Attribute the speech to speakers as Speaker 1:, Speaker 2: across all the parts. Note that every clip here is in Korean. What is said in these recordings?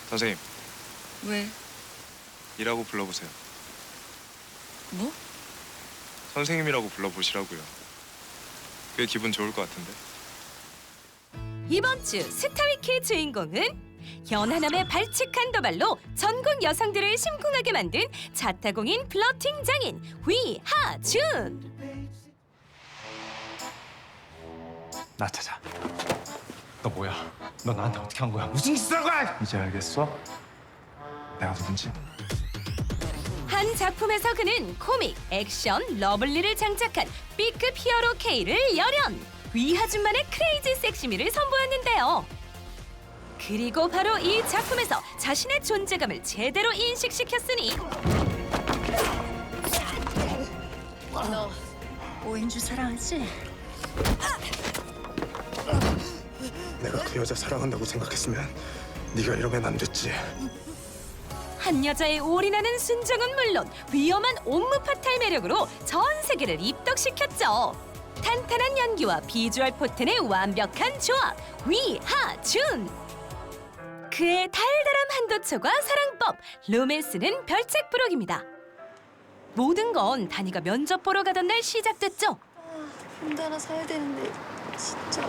Speaker 1: 선생님,
Speaker 2: 왜?
Speaker 1: 이라고 불러보세요.
Speaker 2: 뭐?
Speaker 1: 선생님이라고 불러보시라고요. 그게 기분 좋을 것 같은데.
Speaker 3: 이번 주 스타위키의 주인공은 연하남의 발칙한 도발로 전국 여성들을 심쿵하게 만든 자타공인 플러팅 장인 위하준.
Speaker 4: 나 찾아. 너 뭐야? 너 나한테 어떻게 한 거야? 무슨 짓을 한 거야? 이제 알겠어? 내가 누군지?
Speaker 3: 한 작품에서 그는 코믹, 액션, 러블리를 장착한 B급 히어로 K를 열연! 위하준만의 크레이지 섹시미를 선보였는데요. 그리고 바로 이 작품에서 자신의 존재감을 제대로 인식시켰으니
Speaker 2: 너 오인주 사랑하지?
Speaker 5: 내가 그 여자 사랑한다고 생각했으면 네가 이러면 안 됐지.
Speaker 3: 한 여자에 올인하는 순정은 물론 위험한 옴므파탈 매력으로 전 세계를 입덕시켰죠. 탄탄한 연기와 비주얼 포텐의 완벽한 조합, 위하준! 그의 달달한 한도초과 사랑법, 로맨스는 별책부록입니다. 모든 건 다니가 면접 보러 가던 날 시작됐죠.
Speaker 2: 혼자 하나 사야 되는데 진짜.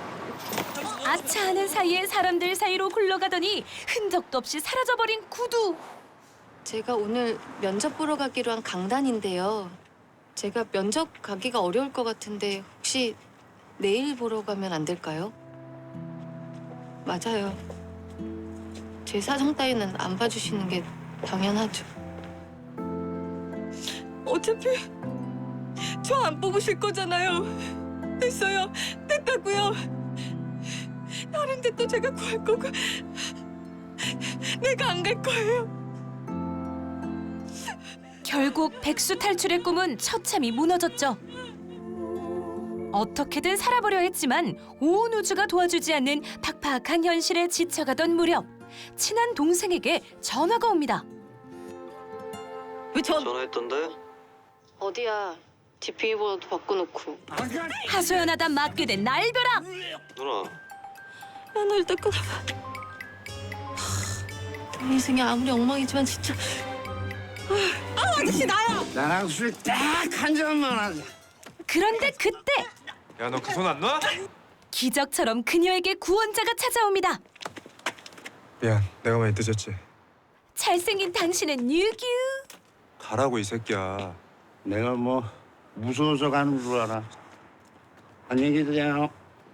Speaker 3: 아차하는 사이에 사람들 사이로 굴러가더니 흔적도 없이 사라져버린 구두.
Speaker 2: 제가 오늘 면접 보러 가기로 한 강단인데요. 제가 면접 가기가 어려울 것 같은데 혹시 내일 보러 가면 안 될까요? 맞아요. 제 사정 따위는 안 봐주시는 게 당연하죠.
Speaker 6: 어차피 저 안 뽑으실 거잖아요. 됐어요. 됐다고요. 다른 데 또 제가 구할 거고 내가 안 갈 거예요.
Speaker 3: 결국 백수 탈출의 꿈은 처참히 무너졌죠. 어떻게든 살아보려 했지만 온 우주가 도와주지 않는 팍팍한 현실에 지쳐가던 무렵 친한 동생에게 전화가 옵니다.
Speaker 6: 왜
Speaker 7: 전화했던데?
Speaker 2: 어디야? 집 비밀번호도 바꿔놓고.
Speaker 3: 하소연하다 맞게 된 날벼락.
Speaker 7: 누나,
Speaker 2: 나 일단 끊어봐. 내 인생이 아무리 엉망이지만 진짜.
Speaker 6: 아저씨 나야.
Speaker 8: 나랑 술 딱 한 잔만 하자.
Speaker 3: 그런데 그때
Speaker 1: 야, 너 그 손 안 놔?
Speaker 3: 기적처럼 그녀에게 구원자가 찾아옵니다.
Speaker 1: 미안, 내가 많이 늦었지.
Speaker 3: 잘생긴 당신은 뉴규.
Speaker 1: 가라고 이 새끼야.
Speaker 8: 내가 뭐 무서워서 가는 줄 알아. 안녕히 계세요.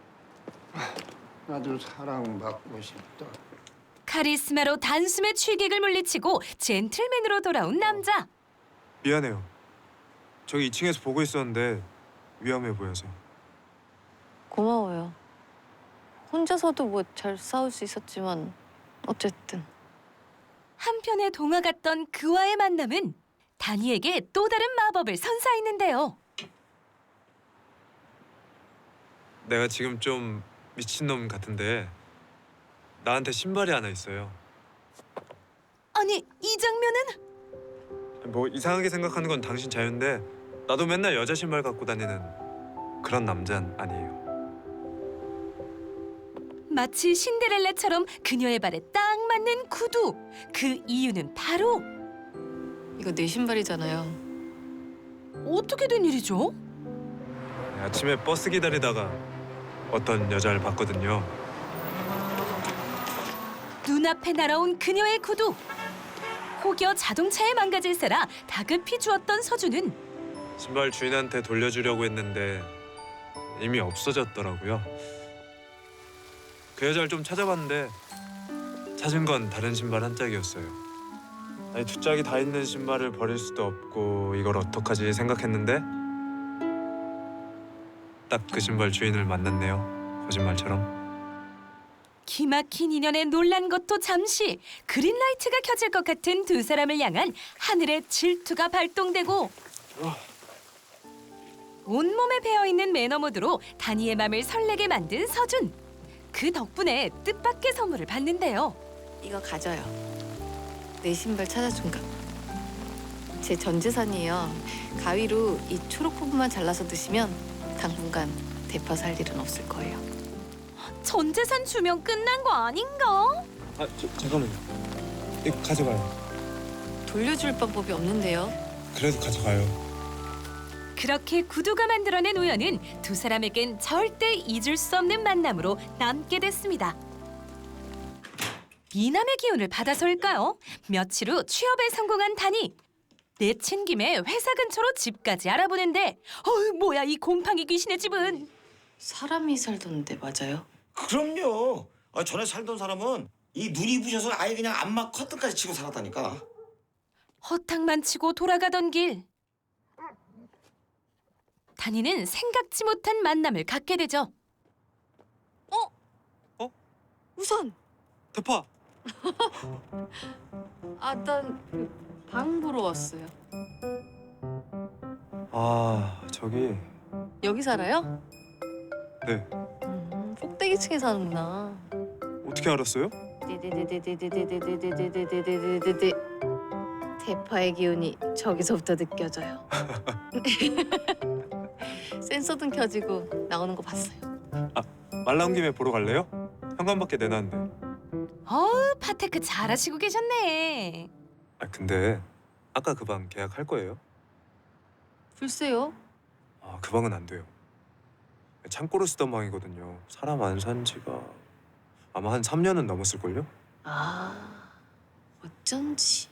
Speaker 8: 나도 사랑받고 싶다.
Speaker 3: 카리스마로 단숨에 취객을 물리치고 젠틀맨으로 돌아온 남자.
Speaker 1: 미안해요. 저기 2층에서 보고 있었는데 위험해 보여서.
Speaker 2: 고마워요. 혼자서도 뭐 잘 싸울 수 있었지만 어쨌든.
Speaker 3: 한편의 동화 같던 그와의 만남은 다니에게 또 다른 마법을 선사했는데요.
Speaker 1: 내가 지금 좀 미친놈 같은데 나한테 신발이 하나 있어요.
Speaker 3: 아니, 이 장면은
Speaker 1: 뭐 이상하게 생각하는 건 당신 자유인데 나도 맨날 여자 신발 갖고 다니는 그런 남자는 아니에요.
Speaker 3: 마치 신데렐라처럼 그녀의 발에 딱 맞는 구두. 그 이유는 바로
Speaker 2: 이거 내 신발이잖아요.
Speaker 3: 어떻게 된 일이죠?
Speaker 1: 아침에 버스 기다리다가 어떤 여자를 봤거든요.
Speaker 3: 눈앞에 날아온 그녀의 구두. 혹여 자동차에 망가질세라 다급히 주었던 서준은
Speaker 1: 신발 주인한테 돌려주려고 했는데 이미 없어졌더라고요. 그 여자를 좀 찾아봤는데 찾은 건 다른 신발 한 짝이었어요. 아니, 두 짝이 다 있는 신발을 버릴 수도 없고 이걸 어떡하지 생각했는데 딱 그 신발 주인을 만났네요. 거짓말처럼.
Speaker 3: 기막힌 인연에 놀란 것도 잠시 그린라이트가 켜질 것 같은 두 사람을 향한 하늘의 질투가 발동되고 온몸에 배어있는 매너 모드로 다니의 맘을 설레게 만든 서준. 그 덕분에 뜻밖의 선물을 받는데요.
Speaker 2: 이거 가져요. 내 신발 찾아준 거. 제 전 재산이에요. 가위로 이 초록 부분만 잘라서 드시면 당분간 대파 살 일은 없을 거예요.
Speaker 3: 전 재산 주면 끝난 거 아닌가?
Speaker 1: 잠깐만요. 이거 가져가요.
Speaker 2: 돌려줄 방법이 없는데요.
Speaker 1: 그래도 가져가요.
Speaker 3: 그렇게 구두가 만들어낸 우연은 두 사람에겐 절대 잊을 수 없는 만남으로 남게 됐습니다. 미남의 기운을 받아서일까요? 며칠 후 취업에 성공한 단이 내친 김에 회사 근처로 집까지 알아보는데 뭐야 이 곰팡이 귀신의 집은.
Speaker 2: 사람이 살던데 맞아요?
Speaker 7: 그럼요. 전에 살던 사람은 이 눈이 부셔서 아예 그냥 안마 커튼까지 치고 살았다니까.
Speaker 3: 허탕만 치고 돌아가던 길. 단이는 생각지 못한 만남을 갖게 되죠.
Speaker 2: 우선
Speaker 1: 대파.
Speaker 2: 난 방 보러 왔어요.
Speaker 1: 저기.
Speaker 2: 여기 살아요?
Speaker 1: 네.
Speaker 2: 꼭대기 층에 사는구나.
Speaker 1: 어떻게 알았어요?
Speaker 2: 데데데데데데데데데데데데데데 대파의 기운이 저기서부터 느껴져요. 센서등 켜지고 나오는 거 봤어요.
Speaker 1: 말 나온 김에 보러 갈래요? 현관밖에 내놨는데.
Speaker 3: 파테크 잘하시고 계셨네.
Speaker 1: 근데 아까 그 방 계약할 거예요?
Speaker 2: 글쎄요.
Speaker 1: 그 방은 안 돼요. 창고로 쓰던 방이거든요. 사람 안 산 지가 아마 한 3년은 넘었을걸요?
Speaker 2: 어쩐지.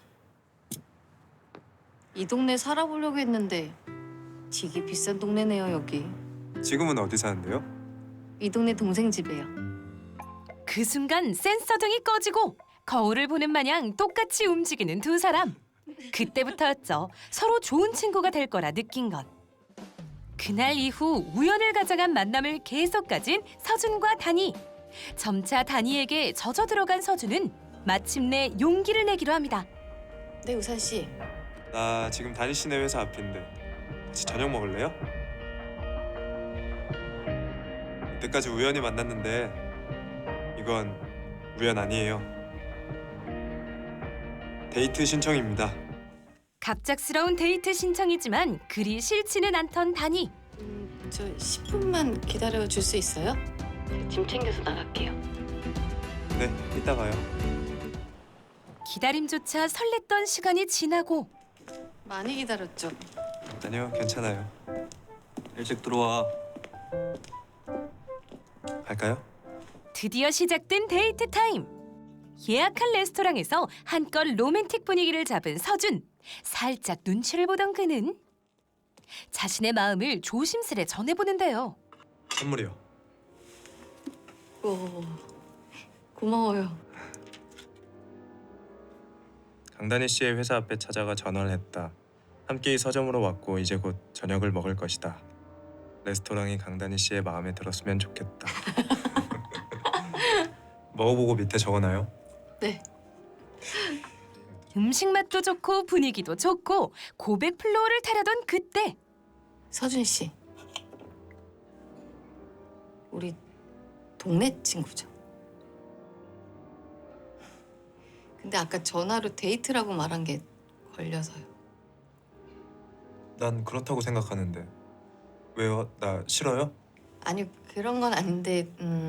Speaker 2: 이 동네 살아보려고 했는데 되게 비싼 동네네요, 여기.
Speaker 1: 지금은 어디 사는데요?
Speaker 2: 이 동네 동생 집이에요.
Speaker 3: 그 순간 센서등이 꺼지고 거울을 보는 마냥 똑같이 움직이는 두 사람. 그때부터였죠. 서로 좋은 친구가 될 거라 느낀 건. 그날 이후 우연을 가져간 만남을 계속 가진 서준과 단이. 점차 단이에게 젖어 들어간 서준은 마침내 용기를 내기로 합니다.
Speaker 2: 네, 우산 씨.
Speaker 1: 나 지금 다니 씨네 회사 앞인데 같이 저녁 먹을래요? 이때까지 우연히 만났는데 이건 우연 아니에요. 데이트 신청입니다.
Speaker 3: 갑작스러운 데이트 신청이지만 그리 싫지는 않던 단이.
Speaker 2: 저 10분만 기다려 줄 수 있어요? 짐 챙겨서 나갈게요.
Speaker 1: 네, 이따 가요.
Speaker 3: 기다림조차 설렜던 시간이 지나고
Speaker 2: 많이 기다렸죠?
Speaker 1: 아니요, 괜찮아요. 일찍 들어와. 갈까요?
Speaker 3: 드디어 시작된 데이트 타임. 예약한 레스토랑에서 한껏 로맨틱 분위기를 잡은 서준. 살짝 눈치를 보던 그는 자신의 마음을 조심스레 전해보는데요.
Speaker 1: 선물이요.
Speaker 2: 고마워요.
Speaker 1: 강다니 씨의 회사 앞에 찾아가 전화를 했다. 함께 서점으로 왔고 이제 곧 저녁을 먹을 것이다. 레스토랑이 강다니 씨의 마음에 들었으면 좋겠다. 먹어보고 밑에 적어놔요.
Speaker 2: 네.
Speaker 3: 음식 맛도 좋고 분위기도 좋고 고백 플로어를 타려던 그때
Speaker 2: 서준 씨. 우리 동네 친구죠. 근데 아까 전화로 데이트라고 말한 게 걸려서요.
Speaker 1: 난 그렇다고 생각하는데. 왜요? 나 싫어요?
Speaker 2: 아니, 그런 건 아닌데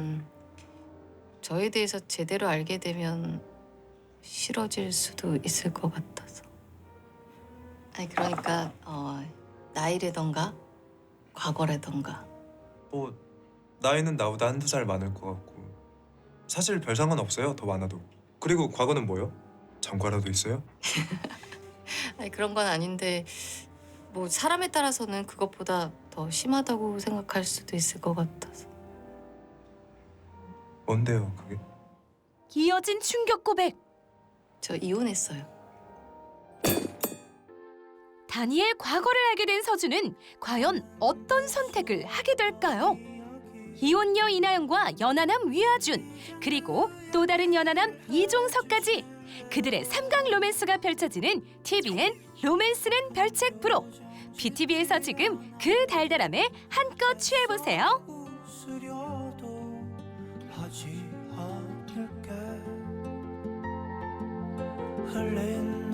Speaker 2: 저에 대해서 제대로 알게 되면 싫어질 수도 있을 것 같아서. 아니, 그러니까 나이라던가 과거라던가.
Speaker 1: 뭐 나이는 나보다 한두 살 많을 것 같고 사실 별 상관 없어요. 더 많아도. 그리고 과거는 뭐요? 전과라도 있어요?
Speaker 2: 아니, 그런 건 아닌데 뭐 사람에 따라서는 그것보다 더 심하다고 생각할 수도 있을 것 같아서.
Speaker 1: 뭔데요, 그게?
Speaker 3: 이어진 충격 고백.
Speaker 2: 저 이혼했어요.
Speaker 3: 다니의 과거를 알게 된 서준은 과연 어떤 선택을 하게 될까요? 이혼녀 이나영과 연하남 위아준, 그리고 또 다른 연하남 이종석까지 그들의 삼강 로맨스가 펼쳐지는 TVN 로맨스는 별책 프로. BTV에서 지금 그 달달함에 한껏 취해보세요.
Speaker 9: 흘린